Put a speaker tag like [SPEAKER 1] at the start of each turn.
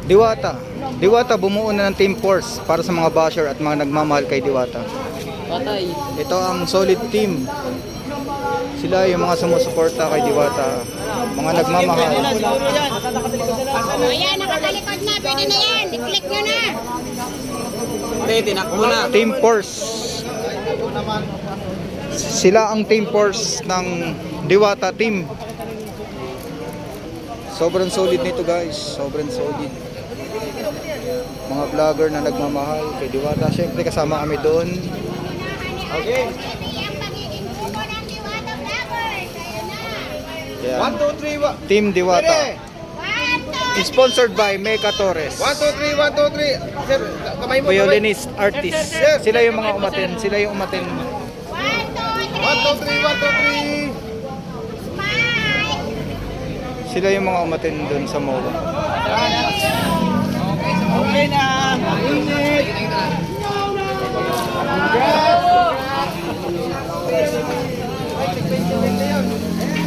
[SPEAKER 1] Diwata. Diwata bumuo na ng team force para sa mga basher at mga nagmamahal kay Diwata.
[SPEAKER 2] Patay.
[SPEAKER 1] Ito ang solid team. Sila yung mga sumusuporta kay Diwata. Mga nagmamahal.
[SPEAKER 3] Ayan, nakatalikod na. Pwede na yan. I-click nyo na.
[SPEAKER 2] Tinakbo na.
[SPEAKER 1] Team force. Sila ang team force ng Diwata team. Sobrang solid nito guys. Sobrang solid. Mga vlogger na nagmamahal kay Diwata. Siyempre kasama kami doon.
[SPEAKER 3] Okay. Ito yung pagiging grupo ng Diwata Vloggers. Ayan na.
[SPEAKER 1] Kaya,
[SPEAKER 4] 1, 2, 3,
[SPEAKER 1] Team Diwata.
[SPEAKER 3] 1, 2,
[SPEAKER 1] Sponsored by Meca Torres.
[SPEAKER 4] 1, 2, 3, 1, 2, 3. Sir, kamay mo.
[SPEAKER 1] Violinist, artist. Sila yung mga umaten. Sila yung umaten.
[SPEAKER 3] 1, 2,
[SPEAKER 4] 1, 2, 3, 1, 2, 3.
[SPEAKER 3] Smile.
[SPEAKER 1] Sila yung mga umaten doon sa MOA.
[SPEAKER 4] Okay na. Init. Yes.